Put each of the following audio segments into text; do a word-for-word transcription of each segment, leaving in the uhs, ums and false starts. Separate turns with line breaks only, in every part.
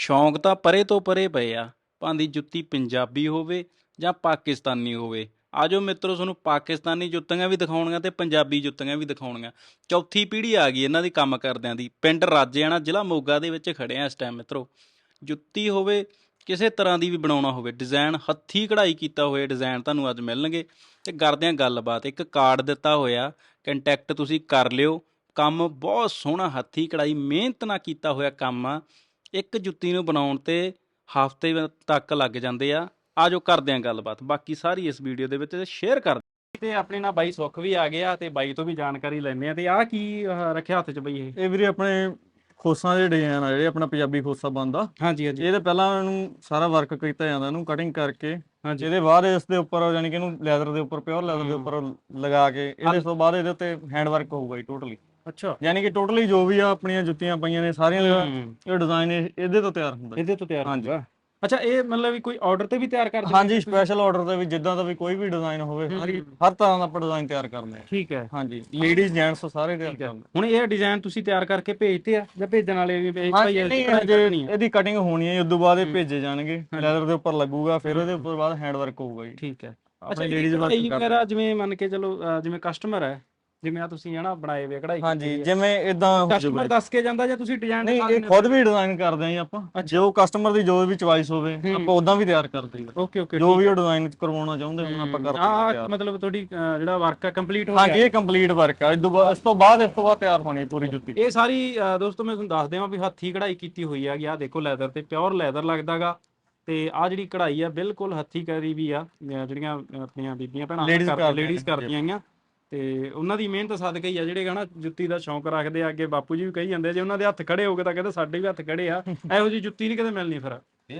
ਸ਼ੌਂਕ ਤਾਂ ਪਰੇ ਤੋਂ ਪਰੇ ਪਏ ਆ, ਭਾਵੇਂ ਜੁੱਤੀ ਪੰਜਾਬੀ ਹੋਵੇ ਜਾਂ ਪਾਕਿਸਤਾਨੀ ਹੋਵੇ। ਆ ਜਾਓ ਮਿੱਤਰੋ, ਤੁਹਾਨੂੰ ਪਾਕਿਸਤਾਨੀ ਜੁੱਤੀਆਂ ਵੀ ਦਿਖਾਉਣੀਆਂ ਤੇ ਪੰਜਾਬੀ ਜੁੱਤੀਆਂ ਵੀ ਦਿਖਾਉਣੀਆਂ। ਚੌਥੀ ਪੀੜ੍ਹੀ ਆ ਗਈ ਇਹਨਾਂ ਦੀ ਕੰਮ ਕਰਦਿਆਂ ਦੀ। ਪਿੰਡ ਰਾਜੇਆਣਾ, ਜ਼ਿਲ੍ਹਾ ਮੋਗਾ ਦੇ ਵਿੱਚ ਖੜੇ ਆ ਇਸ ਟਾਈਮ ਮਿੱਤਰੋ। ਜੁੱਤੀ ਹੋਵੇ ਕਿਸੇ ਤਰ੍ਹਾਂ ਦੀ ਵੀ ਬਣਾਉਣਾ ਹੋਵੇ, ਡਿਜ਼ਾਇਨ ਹੱਥੀਂ ਕਢਾਈ ਕੀਤਾ ਹੋਏ ਡਿਜ਼ਾਇਨ ਤੁਹਾਨੂੰ ਅੱਜ ਮਿਲਣਗੇ। ਅਤੇ ਕਰਦੇ ਹਾਂ ਗੱਲਬਾਤ। ਇੱਕ ਕਾਰਡ ਦਿੱਤਾ ਹੋਇਆ, ਕੰਟੈਕਟ ਤੁਸੀਂ ਕਰ ਲਿਓ। ਕੰਮ ਬਹੁਤ ਸੋਹਣਾ ਹੱਥੀਂ ਕਢਾਈ ਮਿਹਨਤ ਨਾਲ ਕੀਤਾ ਹੋਇਆ ਕੰਮ ਆ। ਇੱਕ ਜੁੱਤੀ ਨੂੰ ਬਣਾਉਣ 'ਤੇ ਹਫ਼ਤੇ ਤੱਕ ਲੱਗ ਜਾਂਦੇ ਆ। ਆ ਜਾਓ ਕਰਦੇ ਹਾਂ ਗੱਲਬਾਤ, ਬਾਕੀ ਸਾਰੀ ਇਸ ਵੀਡੀਓ ਦੇ ਵਿੱਚ ਸ਼ੇਅਰ ਕਰ ਤੇ ਆਪਣੇ ਨਾਲ ਬਾਈ ਸੁੱਖ ਵੀ ਆ ਗਿਆ ਤੇ ਬਾਈ ਤੋਂ ਵੀ ਜਾਣਕਾਰੀ ਲੈਂਦੇ ਆ। ਤੇ ਆਹ ਕੀ ਆਹ ਰੱਖਿਆ ਹੱਥ 'ਚ ਬਈ? ਇਹ
ਇਹ ਵੀਰੇ ਆਪਣੇ ਖੋਸਾਂ ਦੇ ਡਿਜ਼ਾਈਨ ਆ ਜਿਹੜੇ ਆਪਣਾ ਪੰਜਾਬੀ ਖੋਸਾ ਬਣਦਾ।
ਹਾਂਜੀ ਹਾਂਜੀ
ਇਹਦੇ ਪਹਿਲਾਂ ਇਹਨੂੰ ਸਾਰਾ ਵਰਕ ਕੀਤਾ ਜਾਂਦਾ, ਇਹਨੂੰ ਕਟਿੰਗ ਕਰਕੇ
ਹਾਂਜੀ
ਇਹਦੇ ਬਾਅਦ ਇਸ ਦੇ ਉੱਪਰ ਯਾਨੀ ਕਿ ਇਹਨੂੰ ਲੈਦਰ ਦੇ ਉੱਪਰ ਪਿਓਰ ਲੈਦਰ ਦੇ ਉੱਪਰ ਲਗਾ ਕੇ ਇਹਦੇ ਤੋਂ ਬਾਅਦ ਇਹਦੇ ਉੱਤੇ ਹੈਂਡ ਵਰਕ ਹੋਊਗਾ ਜੀ ਟੋਟਲੀ।
ਅੱਛਾ,
ਯਾਨੀ ਕਿ ਟੋਟਲੀ ਜੋ ਵੀ ਆ ਆਪਣੀਆਂ ਜੁੱਤੀਆਂ ਪਈਆਂ ਨੇ ਸਾਰੀਆਂ ਦਾ ਇਹ ਡਿਜ਼ਾਈਨ ਇਹਦੇ ਤੋਂ ਤਿਆਰ ਹੁੰਦਾ।
ਇਹਦੇ ਤੋਂ ਤਿਆਰ
ਹਾਂਜੀ।
ਹੋਊਗਾ। ਅੱਛਾ, ਇਹ ਮਤਲਬ ਵੀ ਕੋਈ ਆਰਡਰ ਤੇ ਵੀ ਤਿਆਰ ਕਰਦੇ ਹੋ?
ਹਾਂਜੀ, ਸਪੈਸ਼ਲ ਆਰਡਰ ਤੇ ਵੀ ਜਿੱਦਾਂ ਦਾ ਵੀ ਕੋਈ ਵੀ ਡਿਜ਼ਾਈਨ ਹੋਵੇ ਸਾਰੀ ਹਰ ਤਰ੍ਹਾਂ ਦਾ ਆਪਾਂ ਡਿਜ਼ਾਈਨ ਤਿਆਰ ਕਰਦੇ ਹਾਂ।
ਠੀਕ ਹੈ।
ਹਾਂਜੀ, ਲੇਡੀਜ਼ ਜੈਂਟਸ ਸਾਰੇ ਤਿਆਰ ਕਰਦੇ।
ਹੁਣ ਇਹ ਡਿਜ਼ਾਈਨ ਤੁਸੀਂ ਤਿਆਰ ਕਰਕੇ ਭੇਜਦੇ ਆ ਜਾਂ ਭੇਜਣ ਵਾਲੇ ਵੀ ਭੇਜ ਭਾਈ?
ਇਹਦੀ ਕਟਿੰਗ ਹੋਣੀ ਹੈ, ਉਸ ਤੋਂ ਬਾਅਦ ਇਹ ਭੇਜੇ ਜਾਣਗੇ, ਲੈਦਰ ਦੇ ਉੱਪਰ ਲੱਗੂਗਾ, ਫਿਰ ਉਹਦੇ ਉੱਪਰ ਬਾਅਦ ਹੈਂਡ ਵਰਕ ਹੋਊਗਾ ਜੀ।
ਠੀਕ ਹੈ।
ਆਪਣੇ ਲੇਡੀਜ਼ ਵਰਕ
ਮੇਰਾ ਜਿਵੇਂ ਮੰਨ ਕੇ ਚਲੋ, ਜਿਵੇਂ ਕਸਟਮਰ ਹੈ, ਜਿਵੇਂ ਆ ਤੁਸੀਂ ਹਨਾ ਬਣਾਏ ਵੇ ਕਢਾਈ,
ਹਾਂਜੀ, ਜਿਵੇਂ ਇਦਾਂ
ਕਸਟਮਰ ਦੱਸ ਕੇ ਜਾਂਦਾ ਜਾਂ ਤੁਸੀਂ ਡਿਜ਼ਾਈਨ?
ਨਹੀਂ, ਇਹ ਖੁਦ ਵੀ ਡਿਜ਼ਾਈਨ ਕਰਦੇ ਆਂ ਜੀ ਆਪਾਂ। ਜੋ ਕਸਟਮਰ ਦੀ ਜੋ ਵੀ ਚੁਆਇਸ ਹੋਵੇ ਆਪਾਂ ਉਦਾਂ ਵੀ ਤਿਆਰ ਕਰਦੇ ਹਾਂ।
ਓਕੇ ਓਕੇ,
ਜੋ ਵੀ ਉਹ ਡਿਜ਼ਾਈਨ ਕਰਵਾਉਣਾ ਚਾਹੁੰਦੇ ਹੁਣ ਆਪਾਂ ਕਰਦੇ ਹਾਂ ਤਿਆਰ।
ਮਤਲਬ ਤੁਹਾਡੀ ਜਿਹੜਾ ਵਰਕ ਹੈ ਕੰਪਲੀਟ ਹੋ ਗਿਆ?
ਹਾਂਜੀ, ਇਹ ਕੰਪਲੀਟ ਵਰਕ ਆ। ਇਸ ਤੋਂ ਬਾਅਦ ਇਸ ਤੋਂ ਬਾਅਦ ਇਸ ਤੋਂ ਬਾਅਦ ਤਿਆਰ ਹੋਣੀ ਪੂਰੀ ਜੁੱਤੀ।
ਇਹ ਸਾਰੀ ਦੋਸਤੋ ਮੈਂ ਤੁਹਾਨੂੰ ਦੱਸ ਦੇਵਾਂ ਵੀ ਹੱਥੀਂ ਕਢਾਈ ਕੀਤੀ ਹੋਈ ਹੈਗੀ। ਆਹ ਦੇਖੋ ਲੈਦਰ ਤੇ ਪਿਓਰ ਲੈਦਰ ਲੱਗਦਾਗਾ। ਤੇ ਆਹ ਜਿਹੜੀ ਕਢਾਈ ਆ ਬਿਲਕੁਲ ਹੱਥੀਂ ਕਰੀ ਵੀ ਆ, ਜਿਹੜੀਆਂ ਆਪਣੀਆਂ ਬੀਬੀਆਂ ਭੈਣਾਂ ਲੇਡੀਜ਼ ਕਰਦੀਆਂ ਆਈਆਂ। ਤੇ ਉਹਨਾਂ ਦੀ ਮਿਹਨਤ ਸਦਕਾ ਹੀ ਆ ਜਿਹੜੇ ਹਨਾ ਜੁੱਤੀ ਦਾ ਸ਼ੌਂਕ ਰੱਖਦੇ ਆ। ਅੱਗੇ ਬਾਪੂ ਜੀ ਵੀ ਕਹੀ ਜਾਂਦੇ, ਜੇ ਉਹਨਾਂ ਦੇ ਹੱਥ ਖੜੇ ਹੋ ਗਏ ਤਾਂ ਕਹਿੰਦੇ ਸਾਡੇ ਵੀ ਹੱਥ ਖੜੇ ਆ। ਇਹੋ ਜਿਹੀ ਜੁੱਤੀ ਨਹੀਂ ਕਦੇ ਮਿਲਣੀ। ਫਿਰ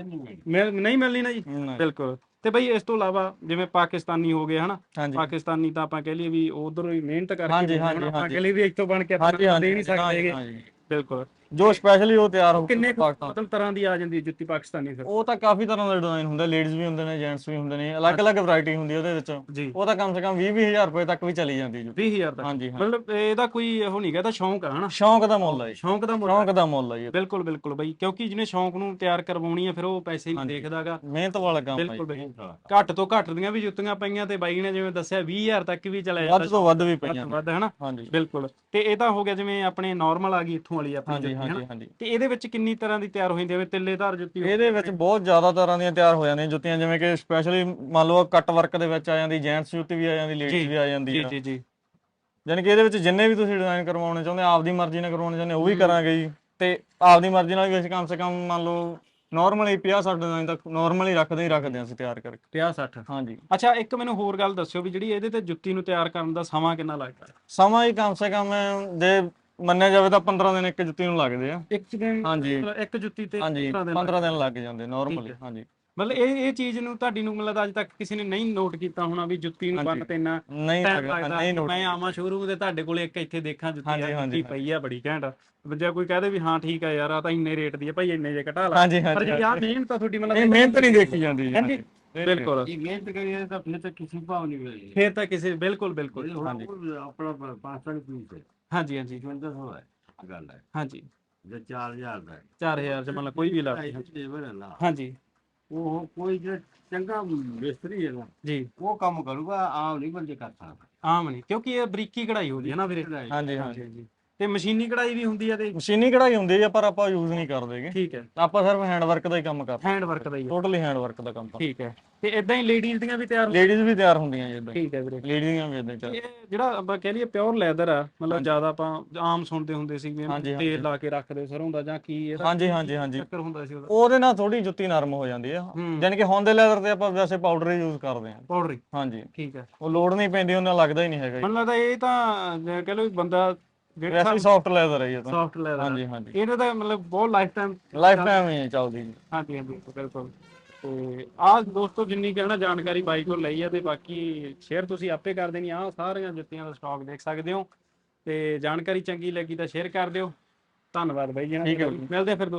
ਮਿਲ ਨਹੀਂ ਮਿਲਣੀ ਨਾ ਜੀ, ਬਿਲਕੁਲ। ਤੇ ਬਈ ਇਸ ਤੋਂ ਇਲਾਵਾ ਜਿਵੇਂ ਪਾਕਿਸਤਾਨੀ ਹੋ ਗਏ ਹਨਾ, ਪਾਕਿਸਤਾਨੀ ਤਾਂ ਆਪਾਂ ਕਹਿ ਲਈਏ ਵੀ ਉਧਰ ਹੀ ਮਿਹਨਤ ਕਰਕੇ ਆਪਾਂ ਕਹਿ ਲਈਏ ਵੀ ਇੱਥੋਂ ਬਣ ਕੇ ਦੇ ਨਹੀਂ ਸਕਦੇ। ਬਿਲਕੁਲ,
ਜੋ ਸਪੈਸ਼ਲੀ ਉਹ ਤਿਆਰ ਹੋ
ਕਿੰਨੇ ਮਤਲਬ ਤਰ੍ਹਾਂ ਦੀ ਆ ਜਾਂਦੀ ਜੁੱਤੀ ਪਾਕਿਸਤਾਨੀ? ਫਿਰ
ਉਹ ਤਾਂ ਕਾਫੀ ਤਰ੍ਹਾਂ ਦਾ ਡਿਜ਼ਾਈਨ ਹੁੰਦਾ, ਲੇਡੀਜ਼ ਵੀ ਹੁੰਦੇ ਨੇ, ਜੈਂਟਸ ਵੀ ਹੁੰਦੇ ਨੇ, ਅਲੱਗ-ਅਲੱਗ ਵੈਰਾਈਟੀ ਹੁੰਦੀ ਉਹਦੇ ਵਿੱਚ। ਉਹ ਤਾਂ ਕਮ ਸੇ ਕਮ ਵੀਹ ਵੀਹ ਹਜ਼ਾਰ ਰੁਪਏ ਤੱਕ ਵੀ ਚਲੀ ਜਾਂਦੀ ਜੁੱਤੀ।
ਵੀਹ ਹਜ਼ਾਰ ਤੱਕ? ਹਾਂਜੀ, ਮਤਲਬ ਇਹਦਾ ਕੋਈ ਉਹ ਨਹੀਂ ਗਾ, ਇਹਦਾ ਸ਼ੌਂਕ ਆ ਹਨਾ?
ਸ਼ੌਂਕ ਦਾ ਮੁੱਲ ਹੈ।
ਸ਼ੌਂਕ ਦਾ ਮੁੱਲ,
ਸ਼ੌਂਕ ਦਾ ਮੁੱਲ ਹੈ ਜੀ।
ਬਿਲਕੁਲ ਬਿਲਕੁਲ ਬਈ, ਕਿਉਂਕਿ ਜਿਹਨੇ ਸ਼ੌਂਕ ਨੂੰ ਤਿਆਰ ਕਰਵਾਉਣੀ ਆ ਫਿਰ ਉਹ ਪੈਸੇ ਨਹੀਂ ਦੇਖਦਾਗਾ,
ਮਿਹਨਤ ਵਾਲਾ ਕੰਮ ਹੈ।
ਬਿਲਕੁਲ ਬਈ। ਘੱਟ ਤੋਂ ਘੱਟ ਦੀਆਂ ਵੀ ਜੁੱਤੀਆਂ ਪਈਆਂ ਤੇ ਬਾਈ ਨੇ ਜਿਵੇਂ ਦੱਸਿਆ ਵੀਹ ਹਜ਼ਾਰ ਤੱਕ ਵੀ ਚਲਾ ਜਾਂਦਾ,
ਵੱਧ ਤੋਂ ਵੱਧ ਵੀ ਪਈਆਂ
ਵੱਧ ਹਨਾ?
ਹਾਂਜੀ,
ਬਿਲਕੁਲ। ਤੇ ਇਹ ਤਾਂ ਹੋ ਗਿਆ ਜਿਵੇਂ ਆਪਣੇ ਨਾਰਮਲ ਆ ਗਈ ਇੱਥੋਂ ਵਾਲੀ ਆਪਣੀ ਜੁੱਤੀ ਹਨਾ? ਤੇ ਇਹਦੇ ਵਿੱਚ ਕਿੰਨੀ ਤਰ੍ਹਾਂ ਦੀ ਤਿਆਰ ਹੋ ਜਾਂਦੀ ਹੈ? ਤਿੱਲੇਦਾਰ ਜੁੱਤੀ
ਇਹਦੇ ਵਿੱਚ ਬਹੁਤ ਜ਼ਿਆਦਾ ਤਰ੍ਹਾਂ ਦੀਆਂ ਤਿਆਰ ਹੋ ਜਾਂਦੀਆਂ ਜੁੱਤੀਆਂ, ਜਿਵੇਂ ਕਿ ਸਪੈਸ਼ਲੀ ਮੰਨ ਲਓ ਕੱਟ ਵਰਕ ਦੇ ਵਿੱਚ ਆ ਜਾਂਦੀ, ਜੈਂਟਸ ਜੁੱਤੀ ਵੀ ਆ ਜਾਂਦੀ, ਲੇਡੀਜ਼ ਵੀ ਆ ਜਾਂਦੀ ਹੈ।
ਜੀ ਜੀ।
ਯਾਨੀ ਕਿ ਇਹਦੇ ਵਿੱਚ ਜਿੰਨੇ ਵੀ ਤੁਸੀਂ ਡਿਜ਼ਾਈਨ ਕਰਵਾਉਣੇ ਚਾਹੁੰਦੇ, ਆਪਦੀ ਮਰਜ਼ੀ ਨਾਲ ਕਰਵਾਉਣੇ ਚਾਹੁੰਦੇ ਉਹ ਵੀ ਕਰਾਂਗੇ ਜੀ। ਤੇ ਆਪਦੀ ਮਰਜ਼ੀ ਨਾਲ ਵੀ ਅਸੀਂ ਕਮ ਸੇ ਕਮ ਮੰਨ ਲਓ ਨਾਰਮਲੀ ਪੰਜਾਹ ਸੱਠ ਡਿਜ਼ਾਈਨ ਤੱਕ ਨਾਰਮਲੀ ਰੱਖਦੇ ਹੀ ਰੱਖਦੇ ਹਾਂ ਅਸੀਂ ਤਿਆਰ ਕਰਕੇ।
ਪੰਜਾਹ ਸੱਠ?
ਹਾਂਜੀ।
ਅੱਛਾ, ਇੱਕ ਮੈਨੂੰ ਹੋਰ ਗੱਲ ਦੱਸਿਓ ਵੀ ਜਿਹੜੀ ਇਹਦੇ ਤੇ ਜੁੱਤੀ ਨੂੰ ਤਿਆਰ ਕਰਨ ਦਾ ਸਮਾਂ ਕਿੰਨਾ ਲੱਗਦਾ?
ਸਮਾਂ ਹੀ ਕਮ ਸੇ ਕਮ ਜੇ ਮੰਨਿਆ ਜਾਵੇ ਤਾਂ ਪੰਦਰਾਂ ਦਿਨ ਇੱਕ ਜੁੱਤੀ ਨੂੰ ਲੱਗਦੇ ਆ।
ਇੱਕ ਦਿਨ?
ਹਾਂਜੀ,
ਇੱਕ ਜੁੱਤੀ ਤੇ
ਹਾਂਜੀ, ਪੰਦਰਾਂ ਦਿਨ ਲੱਗ ਜਾਂਦੇ ਨਾਰਮਲੀ। ਹਾਂਜੀ,
ਮਤਲਬ ਇਹ ਇਹ ਚੀਜ਼ ਨੂੰ ਤੁਹਾਡੀ ਨੂੰ ਮਤਲਬ ਅੱਜ ਤੱਕ ਕਿਸੇ ਨੇ ਨਹੀਂ ਨੋਟ ਕੀਤਾ ਹੋਣਾ ਵੀ ਜੁੱਤੀ ਨੂੰ ਬੰਨ ਤੇ ਇੰਨਾ ਟਾਈਮ ਲੱਗਦਾ। ਮੈਂ ਆਵਾਂ ਸ਼ੋਰੂਮ ਤੇ ਤੁਹਾਡੇ ਕੋਲੇ ਇੱਕ ਇੱਥੇ ਦੇਖਾਂ ਜੁੱਤੀ ਪਈ ਆ ਬੜੀ ਘੈਂਟ, ਜੇ ਕੋਈ ਕਹਦੇ ਵੀ ਹਾਂ ਠੀਕ ਆ ਯਾਰ ਆ ਤਾਂ ਇੰਨੇ ਰੇਟ ਦੀ ਆ ਭਾਈ, ਇੰਨੇ ਜੇ ਘਟਾ ਲਾ। ਪਰ ਜਿਹੜੀ ਆ ਮਿਹਨਤ ਆ ਤੁਹਾਡੀ, ਮਤਲਬ
ਮਿਹਨਤ ਨਹੀਂ ਦੇਖੀ ਜਾਂਦੀ।
ਹਾਂਜੀ, ਬਿਲਕੁਲ।
ਇਹ ਮਿਹਨਤ ਕਰੀਏ ਤਾਂ ਫਿਰ ਤਾਂ ਕਿਸੇ ਭਾਅ ਨਹੀਂ ਮਿਲੇਗੀ,
ਫਿਰ ਤਾਂ ਕਿਸੇ, ਬਿਲਕੁਲ ਬਿਲਕੁਲ।
ਹਾਂਜੀ, ਆਪਣਾ ਪਾਸਟਰ ਪੀਸ ਹੈ।
ਹਾਂਜੀ ਹਾਂਜੀ,
ਜਵੰਦਰ ਸੌ ਹੈ ਗੱਲ ਹੈ।
ਹਾਂਜੀ,
ਜੇ ਚਾਰ ਹਜ਼ਾਰ ਦਾ
ਚਾਰ ਹਜ਼ਾਰ ਚ ਮਤਲਬ ਕੋਈ ਵੀ ਲਾ। ਹਾਂਜੀ,
ਉਹ ਕੋਈ ਜਿਹੜਾ ਚੰਗਾ ਮਿਸਤਰੀ ਹੈ ਨਾ
ਜੀ,
ਉਹ ਕੰਮ ਕਰੂਗਾ, ਆਮ ਨਹੀਂ ਬੰਦੇ ਕਰ ਸਕਦਾ।
ਆਮ ਨਹੀਂ, ਕਿਉਂਕਿ ਇਹ ਬਰੀਕੀ ਕਢਾਈ ਹੁੰਦੀ ਹੈ ਨਾ ਵੀਰੇ।
ਹਾਂਜੀ ਹਾਂਜੀ,
ਤੇ ਮਸ਼ੀਨੀ ਕਢਾਈ ਵੀ ਹੁੰਦੀ ਆ? ਤੇ
ਮਸ਼ੀਨੀ ਕਢਾਈ ਹੁੰਦੀ ਹੈ ਪਰ ਆਪਾਂ ਯੂਜ਼ ਨਹੀਂ ਕਰਦੇਗੇ।
ਠੀਕ ਹੈ,
ਆਪਾਂ ਸਿਰਫ ਹੈਂਡ ਵਰਕ ਦਾ ਹੀ ਕੰਮ ਕਰਦੇ।
ਹੈਂਡ ਵਰਕ ਦਾ ਹੀ?
ਟੋਟਲੀ ਹੈਂਡ ਵਰਕ ਦਾ ਕੰਮ।
ਠੀਕ ਹੈ। ਤੇ ਇਦਾਂ ਹੀ ਲੇਡੀਜ਼ ਦੀਆਂ ਵੀ ਤਿਆਰ?
ਲੇਡੀਜ਼ ਵੀ ਤਿਆਰ ਹੁੰਦੀਆਂ ਜੀ ਇਦਾਂ।
ਠੀਕ ਹੈ ਵੀਰੇ,
ਲੇਡੀਜ਼ ਵੀ ਇਦਾਂ ਤਿਆਰ।
ਇਹ ਜਿਹੜਾ ਆਪਾਂ ਕਹਿ ਲਈਏ ਪਿਓਰ ਲੈਦਰ ਆ, ਮਤਲਬ ਜ਼ਿਆਦਾ ਆਪਾਂ ਆਮ ਸੁਣਦੇ ਹੁੰਦੇ ਸੀ ਵੀ ਤੇਲ ਲਾ ਕੇ ਰੱਖਦੇ ਸਰੋਂ ਦਾ ਜਾਂ ਕੀ ਇਹਦਾ?
ਹਾਂਜੀ ਹਾਂਜੀ ਹਾਂਜੀ,
ਚੱਕਰ ਹੁੰਦਾ ਸੀ ਉਹਦਾ?
ਉਹਦੇ ਨਾਲ ਥੋੜੀ ਜੁੱਤੀ ਨਰਮ ਹੋ ਜਾਂਦੀ ਆ। ਯਾਨੀ ਕਿ ਹੁਣ ਦੇ ਲੈਦਰ ਤੇ ਆਪਾਂ ਵੈਸੇ ਪਾਊਡਰ ਹੀ ਯੂਜ਼ ਕਰਦੇ ਹਾਂ।
ਪਾਊਡਰ?
ਹਾਂਜੀ,
ਠੀਕ ਹੈ।
ਉਹ ਲੋੜ ਨਹੀਂ ਪੈਂਦੀ, ਉਹਨਾਂ ਲੱਗਦਾ ਹੀ ਨਹੀਂ ਹੈਗਾ।
ਮੈਨੂੰ ਲੱਗਦਾ ਇਹ ਤਾਂ ਕਹਿ ਲਓ ਬੰਦਾ
ਵੈਸੇ ਸੌਫਟ ਲੈਦਰ ਹੈ ਇਹ ਤਾਂ।
Soft leather?
ਹਾਂਜੀ ਹਾਂਜੀ,
ਇਹਦਾ ਤਾਂ ਮਤਲਬ ਬਹੁਤ ਲਾਈਫ ਟਾਈਮ
ਲਾਈਫ ਟਾਈਮ ਹੀ ਚੱਲਦੀ ਜੀ।
ਹਾਂਜੀ ਹਾਂਜੀ, ਬਿਲਕੁਲ। ਤੇ ਆਹ ਦੋਸਤੋ ਜਿੰਨੀ ਕਹਿਣਾ ਜਾਣਕਾਰੀ ਬਾਈ ਕੋਲ ਲਈ ਆ, ਤੇ ਬਾਕੀ ਸ਼ੇਅਰ ਤੁਸੀਂ ਆਪੇ ਕਰ ਦੇਣੀ। ਆਹ ਸਾਰੀਆਂ ਜੁੱਤੀਆਂ ਦਾ ਸਟਾਕ ਦੇਖ ਸਕਦੇ ਹੋ, ਤੇ ਜਾਣਕਾਰੀ ਚੰਗੀ ਲੱਗੀ ਤਾਂ ਸ਼ੇਅਰ ਕਰ ਦਿਓ। ਧੰਨਵਾਦ ਬਾਈ ਜੀ, ਮਿਲਦੇ ਫਿਰ।